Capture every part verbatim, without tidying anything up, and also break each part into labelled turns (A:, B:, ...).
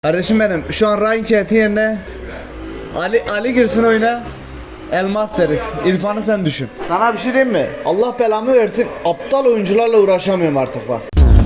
A: Kardeşim benim şu an Ryan Kent'in yerine Ali Ali girsin oyuna. Elmas deriz. İrfan'ı sen düşün. Sana bir şey diyeyim mi? Allah belamı versin. Aptal oyuncularla uğraşamıyorum artık bak.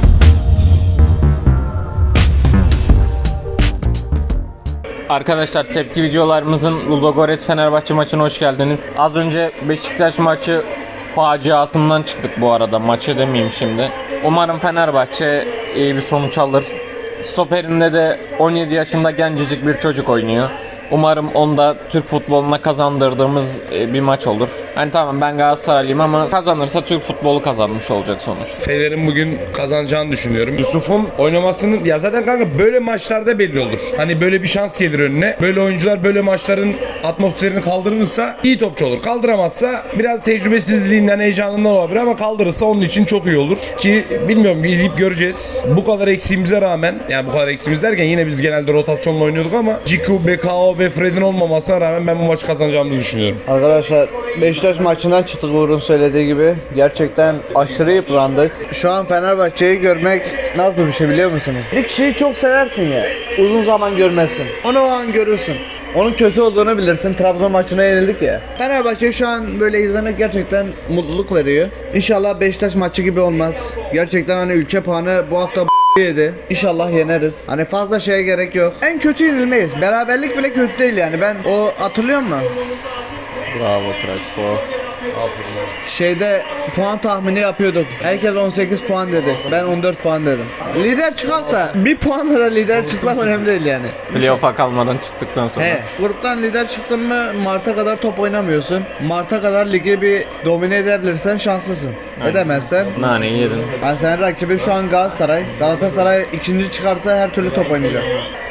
B: Arkadaşlar tepki videolarımızın Ludogorets Fenerbahçe maçına hoş geldiniz. Az önce Beşiktaş maçı faciasından çıktık bu arada. Maçı demeyeyim şimdi. Umarım Fenerbahçe iyi bir sonuç alır. Stoperinde de on yedi yaşında gencecik bir çocuk oynuyor. Umarım onda Türk futboluna kazandırdığımız bir maç olur. Hani tamam ben Galatasaraylıyım ama kazanırsa Türk futbolu kazanmış olacak sonuçta.
C: Fener'in bugün kazanacağını düşünüyorum. Yusuf'un oynamasının ya zaten kanka böyle maçlarda belli olur. Hani böyle bir şans gelir önüne. Böyle oyuncular böyle maçların atmosferini kaldırırsa iyi topçu olur. Kaldıramazsa biraz tecrübesizliğinden, heyecanından olabilir ama kaldırırsa onun için çok iyi olur. Ki bilmiyorum biz izleyip göreceğiz. Bu kadar eksiğimize rağmen yani bu kadar eksiğimiz derken yine biz genelde rotasyonla oynuyorduk ama Ciku, B K O ve Fred'in olmamasına rağmen ben bu maçı kazanacağımızı düşünüyorum.
A: Arkadaşlar Beşiktaş maçından çıktık Uğur'un söylediği gibi. Gerçekten aşırı yıprandık. Şu an Fenerbahçe'yi görmek nasıl bir şey biliyor musunuz? Bir kişiyi çok seversin ya. Uzun zaman görmezsin. Onu o an görürsün. Onun kötü olduğunu bilirsin. Trabzon maçına yenildik ya. Fenerbahçe'yi şu an böyle izlemek gerçekten mutluluk veriyor. İnşallah Beşiktaş maçı gibi olmaz. Gerçekten hani ülke puanı bu hafta yedi. İnşallah yeneriz. Hani fazla şeye gerek yok. En kötü yenilmeyiz. Beraberlik bile kötü değil yani. Ben o hatırlıyor musun?
B: Bravo Crespo.
A: Şeyde puan tahmini yapıyorduk. Herkes on sekiz puan dedi. Ben on dört puan dedim. Lider çıkak da bir puanla da lider çıksak önemli değil yani.
B: Playoff'a kalmadan çıktıktan sonra.
A: He, gruptan lider çıktın mı Mart'a kadar top oynamıyorsun. Mart'a kadar ligi bir domine edebilirsen şanslısın. Edemezsen
B: Naneyi yedin.
A: ben senin rakibin şu an Galatasaray. Galatasaray ikinci çıkarsa her türlü top oynayacak.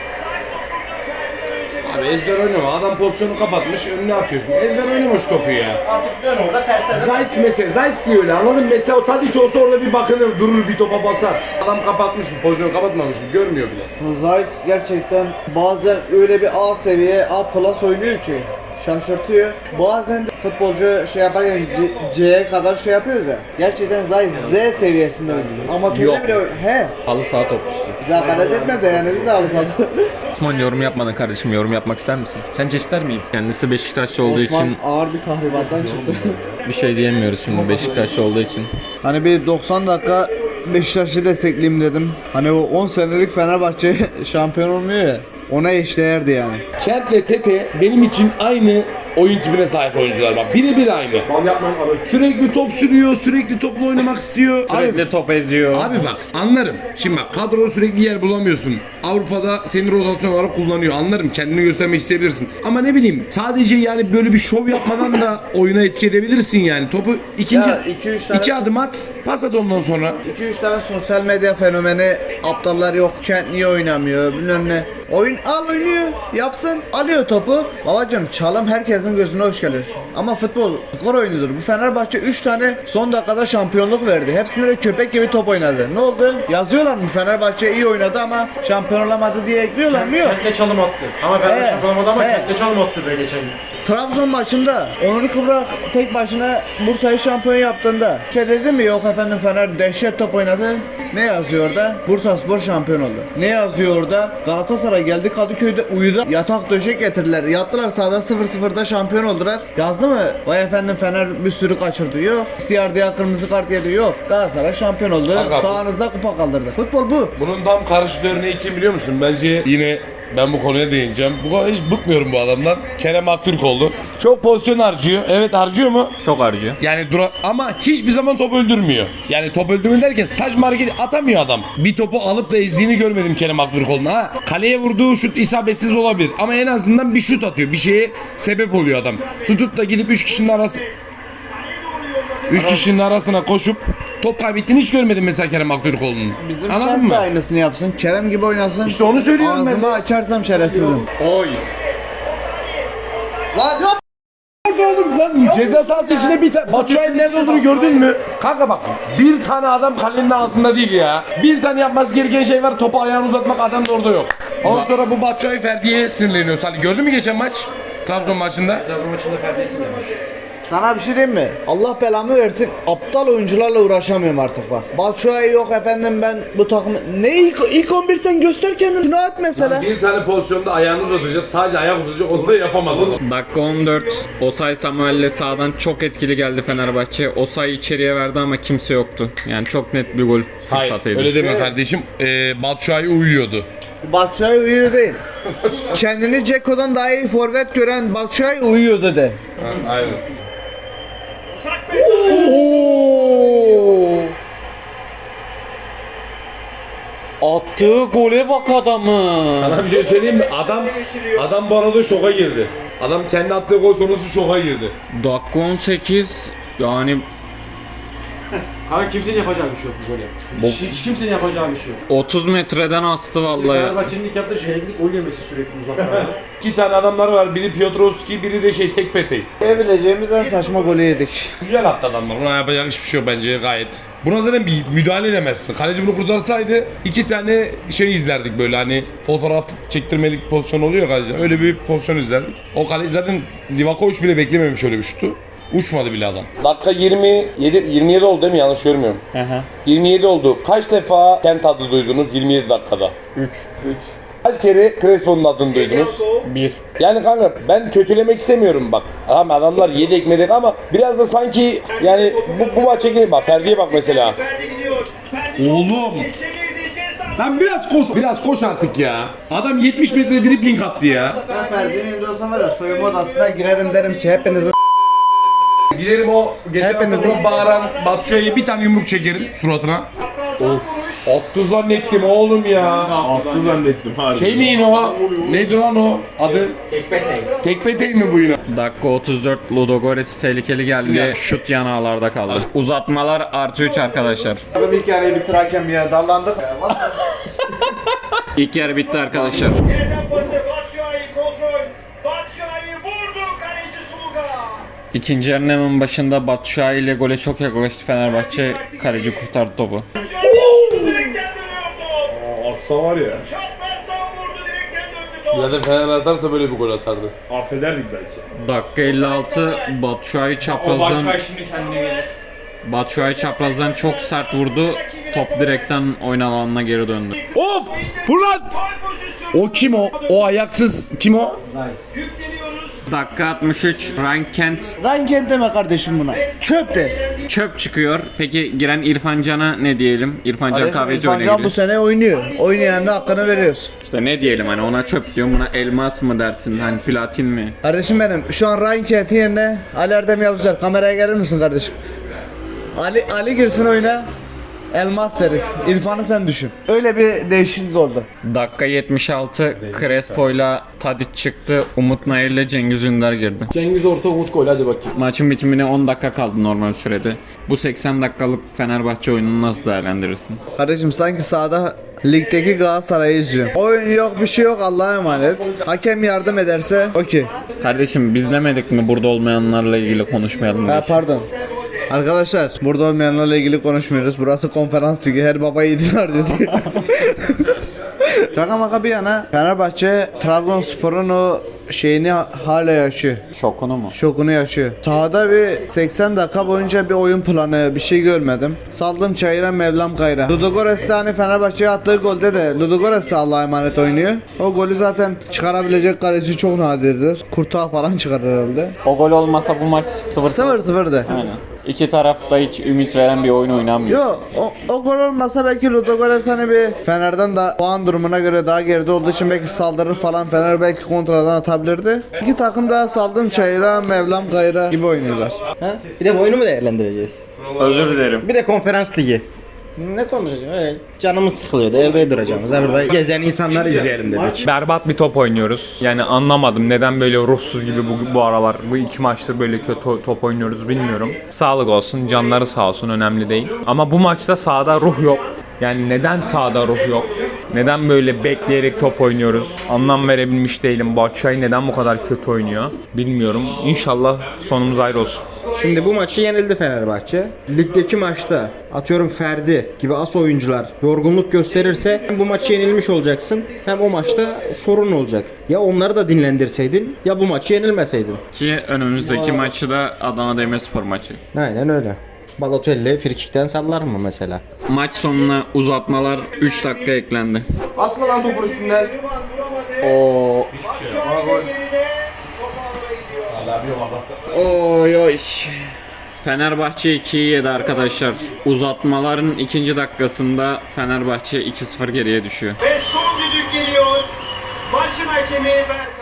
C: Abi ezber oynama. Adam pozisyonu kapatmış, önüne atıyorsun. Ezber oynama şu topu ya.
A: Artık dön orada terse.
C: Zayt mesela, Zayt diyor öyle anladın mı? Mesela o Tadiç olsa orada bir bakınır, durur bir topa basar. Adam kapatmış mı, pozisyonu kapatmamış mı görmüyor bile.
A: Zayt gerçekten bazen öyle bir A seviye, A plus oynuyor ki şaşırtıyor. Bazen de futbolcu şey yaparken C- C'ye kadar şey yapıyoruz ya. Gerçekten Zayt Z seviyesinde oynuyor. Ama
C: Yok.
A: bile he.
B: Halı saha topçusu.
A: Bize hakaret etme de yani biz de alırsak.
B: Osman yorum yapmadın kardeşim, yorum yapmak ister misin?
D: Sence ister miyim?
B: Kendisi Beşiktaşlı olduğu
A: Osman
B: için
A: ağır bir tahribattan çıktı.
B: bir şey diyemiyoruz şimdi Beşiktaşlı olduğu için.
A: Hani bir doksan dakika Beşiktaş'ı destekleyeyim dedim. Hani o on senelik Fenerbahçe şampiyon olmuyor ya. Ona eşdeğerdi yani.
E: Kent'le Tete benim için aynı oyun tipine sahip oyuncular bak. Birebir aynı.
C: Sürekli top sürüyor, sürekli topla oynamak istiyor.
B: Sürekli top eziyor.
C: Abi bak anlarım. Şimdi bak kadro sürekli yer bulamıyorsun. Avrupa'da seni rotasyon olarak kullanıyor. Anlarım kendini göstermek isteyebilirsin. Ama ne bileyim sadece yani böyle bir şov yapmadan da oyuna etki edebilirsin yani. Topu ikinci
A: Ya, iki, üç tane-
C: iki adım at, pas at ondan sonra.
A: iki üç tane sosyal medya fenomeni aptallar yok. Kent niye oynamıyor bilmem ne. Oyun al oynuyor yapsın alıyor topu. Babacım çalım herkesin gözüne hoş gelir. Ama futbol skor oyunudur. Bu Fenerbahçe üç tane son dakikada şampiyonluk verdi. Hepsinde de köpek gibi top oynadı. Ne oldu? Yazıyorlar mı Fenerbahçe iyi oynadı ama şampiyon olamadı diye ekliyorlar mı? Yok.
D: Kent'le çalım attı. Ama Fener
A: He,
D: şampiyon olamadı ama
A: he.
D: Kent'le çalım attı be geçen gün.
A: Trabzon maçında Onur Kıvrak tek başına Bursa'yı şampiyon yaptığında şey dedi mi yok efendim Fener dehşet top oynadı. Ne yazıyor orada? Bursaspor şampiyon oldu. Ne yazıyor orada? Galatasaray geldi Kadıköy'de uyudu. Yatak döşek getirdiler. Yattılar sahada sıfır sıfırda şampiyon oldular. Yazdı mı? Vay efendim Fener bir sürü kaçırdı. Yok. Siyardıya kırmızı kart yedi. Yok. Galatasaray şampiyon oldu.
C: Kanka,
A: Sağınızda kupa kaldırdı. Futbol bu.
C: Bunun tam karşıt örneği kim biliyor musun? Bence yine ben bu konuya değineceğim. Bu kadar hiç bıkmıyorum bu adamdan. Kerem Aktürkoğlu. Çok pozisyon harcıyor. Evet harcıyor mu?
B: Çok harcıyor.
C: Yani dura ama hiçbir zaman top öldürmüyor. Yani top öldürme derken saçma hareket atamıyor adam. Bir topu alıp da ezdiğini görmedim Kerem Aktürkoğlu'na. Ha, kaleye vurduğu şut isabetsiz olabilir ama en azından bir şut atıyor. Bir şeye sebep oluyor adam. Tutup da gidip üç kişinin arası üç kişinin arasına koşup top kaybettiğini hiç görmedim mesela Kerem Aktürkoğlu'nun.
A: Bizim
C: Anladın
A: Kent
C: mı?
A: de aynısını yapsın. Kerem gibi oynasın.
C: İşte onu söylüyorum ben de.
A: Ağzımı açarsam şerefsizim.
B: Oy.
C: Lan yap oğlum lan ceza sahası içinde bir tane Batshuayi'nin nerede olduğunu gördün mü? Kanka bak bir tane adam kalenin ağzında değil ya. Bir tane yapması gereken şey var topu ayağını uzatmak adam da orada yok. Ondan sonra bu Batshuayi Ferdi'ye sinirleniyor Salih. Gördün mü geçen maç? Trabzon maçında.
D: Trabzon maçında Ferdi'yi sinirlenmiş.
A: Sana bir şey diyeyim mi? Allah belamı versin. Aptal oyuncularla uğraşamıyorum artık bak. Batshuayi yok efendim ben bu takım... Ne ilk, ilk on bir sen göster kendini. Şunu at mesela.
E: Bir tane pozisyonda ayağını uzatacak, sadece ayak uzatacak, onu da yapamadı adam.
B: Dakika on dört. Osay Samuel'le sağdan çok etkili geldi Fenerbahçe. Osay içeriye verdi ama kimse yoktu. Yani çok net bir gol
C: Hayır
B: fırsatıydı.
C: öyle deme kardeşim. Ee, Batshuayi uyuyordu.
A: Batshuayi uyuyor değil. Kendini Ceko'dan daha iyi forvet gören Batshuayi uyuyordu de.
C: Aynen.
A: Oo!
B: Attığı gole bak adamı.
E: Sana bir şey söyleyeyim mi? Adam adam bu arada şoka girdi. Adam kendi attığı gol sonrası şoka girdi.
B: Dakika on sekiz. Yani
D: Kanka kimsenin yapacağı bir şey yok bu golü. Hiç, hiç kimsenin yapacağı bir şey yok.
B: otuz metreden astı vallahi.
D: Fenerbahçe'nin ilk yaptığı şehirlik gol yemesi sürekli uzaklardan.
E: İki tane adamlar var. Biri Piotrowski, biri de şey Tekpetey.
A: Diyebileceğimiz en saçma golü yedik.
E: Güzel attı adamlar. Buna yapacak hiçbir şey yok bence gayet. Buna zaten bir müdahale edemezsin. Kaleci bunu kurtarsaydı iki tane şey izlerdik böyle hani fotoğraf çektirmelik pozisyon oluyor kaleci. Öyle bir pozisyon izlerdik. O kaleci zaten Livakovic bile beklememiş öyle bir şutu. Uçmadı bile adam. Dakika yirmi yedi yirmi yedi oldu değil mi? Yanlış görmüyorum.
B: Aha.
E: yirmi yedi oldu. Kaç defa Kent adı duydunuz yirmi yedi dakikada?
B: üç.
E: Kaç kere Crespo'nun adını duydunuz?
B: bir.
E: Yani kanka ben kötülemek istemiyorum bak. Tamam adamlar yedi ekmedik ama biraz da sanki yani bu, bu maça gelin bak Ferdi'ye bak mesela. Oğlum. Lan biraz koş. Biraz koş artık ya. Adam yetmiş metre dribling attı ya.
A: Ben Ferdi'nin önünde olsam var ya soyunma odasına girerim derim ki hepinizin
E: Giderim o geçen
A: Hepinizin-
E: hafta bağıran Batshuayi'ye bir tane yumruk çekerim suratına. Of. Attı zannettim oğlum ya.
F: Aslı zannettim harbi.
E: Şey mi yine o? Neydi lan o? Adı? Tekpetey. Tekpetey mi bu yine?
B: Dakika otuz dört. Ludogorets tehlikeli geldi. Şut yan ağlarda kaldı. Uzatmalar artı üç arkadaşlar.
A: Abi ilk yarıyı bitirerken bir yere dallandık.
B: İlk yarı bitti arkadaşlar.
G: Yerden pası Batshuayi kontrol. Batshuayi vurdu kaleci Suluga.
B: İkinci yarının hemen başında Batshuayi ile gole çok yaklaştı Fenerbahçe. Kaleci kurtardı topu.
G: Direkten dönüyor top.
F: Atsa var ya.
G: Çaprazdan vurdu direkten döndü top.
E: Zaten Fener atarsa böyle bir gol atardı.
F: Affederdik belki.
B: Dakika elli altı. Batshuayi çaprazdan Batshuayi çaprazdan çok sert vurdu. Top direkten oyun alanına geri döndü.
E: Of! Fırlat!
G: Gol pozisyonu.
E: O kim o? O ayaksız kim o?
G: Yükleniyoruz.
B: Dakika altmış üç. Ryan Kent
A: Ranken deme kardeşim buna. Çöp de.
B: çöp çıkıyor. Peki giren İrfan Can'a ne diyelim? İrfan Can kahveci
A: İrfan
B: oyuna
A: Can bu
B: gidiyor.
A: sene oynuyor. Oynayanına hakkını veriyoruz.
B: İşte ne diyelim hani ona çöp diyorum, buna elmas mı dersin, hani platin mi?
A: Kardeşim benim şu an Ryan Kent'in yerine Ali Erdem Yavuzlar. Kameraya gelir misin kardeşim? Ali Ali girsin oyuna. Elmas deriz. İrfan'ı sen düşün. Öyle bir değişiklik oldu.
B: Dakika yetmiş altı. Crespo'yla Tadic çıktı. Umut Nayır'la Cengiz Ünder girdi.
D: Cengiz orta Umut gol hadi bakayım.
B: Maçın bitimine on dakika kaldı normal sürede. Bu seksen dakikalık Fenerbahçe oyununu nasıl değerlendirirsin?
A: Kardeşim sanki sahada ligdeki Galatasaray'ı izliyor. Oyun yok bir şey yok Allah'a emanet. Hakem yardım ederse okey.
B: Kardeşim biz demedik mi burada olmayanlarla ilgili konuşmayalım diye?
A: Ha pardon. Arkadaşlar burada olmayanlarla ilgili konuşmuyoruz. Burası konferans ligi. Her baba yiğidiler diyor. Şaka maka bir yana Fenerbahçe Trabzonspor'un o şeyini hala yaşıyor.
B: Şokunu mu?
A: Şokunu yaşıyor. Sahada bir seksen dakika boyunca bir oyun planı bir şey görmedim. Saldım çayıra Mevlam kayra. Ludogorets de hani Fenerbahçe'ye attığı golde de Ludogorets de Allah'a emanet oynuyor. O golü zaten çıkarabilecek kaleci çok nadirdir. Kurtağı falan çıkar herhalde.
B: O gol olmasa bu maç sıfır
A: sıfır sıfırdı.
B: Aynen. İki taraf da hiç ümit veren bir oyun oynamıyor.
A: Yo o, o gol olmasa belki Ludogorets hani bir Fener'den da puan durumuna göre daha geride olduğu için belki saldırır falan, Fener belki kontradan atabilirdi. İki takım daha saldım çayıra Mevlam kayra gibi oynuyorlar.
H: Ha? Bir de bu oyunu mu değerlendireceğiz?
B: Özür dilerim.
H: Bir de konferans ligi. Ne konuşacağız? Evet. Canımız sıkılıyordu. Evde duracağımız. Ha, burada gezen insanları izleyelim dedik.
I: Berbat bir top oynuyoruz. Yani anlamadım neden böyle ruhsuz gibi bu, bu aralar bu iki maçtır böyle kötü top oynuyoruz bilmiyorum. Sağlık olsun, canları sağ olsun, önemli değil. Ama bu maçta sahada ruh yok. Yani neden sahada ruh yok? Neden böyle bekleyerek top oynuyoruz? Anlam verebilmiş değilim. Batshuayi neden bu kadar kötü oynuyor? Bilmiyorum. İnşallah sonumuz ayrı olsun.
H: Şimdi bu maçı yenildi Fenerbahçe. Ligdeki maçta atıyorum Ferdi gibi as oyuncular yorgunluk gösterirse hem bu maçı yenilmiş olacaksın hem o maçta sorun olacak. Ya onları da dinlendirseydin ya bu maçı yenilmeseydin.
B: Ki önümüzdeki maçı da Adana Demirspor maçı.
H: Aynen öyle. Balotelli frikikten sallar mı mesela?
B: Maç sonuna uzatmalar üç dakika eklendi.
A: Atla lan topun üstünden.
B: Oo.
G: Batshuayi de geride. Top ağlara gidiyor.
B: Oy oy. Fenerbahçe ikiyi yedi arkadaşlar. Uzatmaların ikinci dakikasında Fenerbahçe iki sıfır geriye düşüyor.
G: Ve son düdük geliyor. Maçın hakemi Berkay.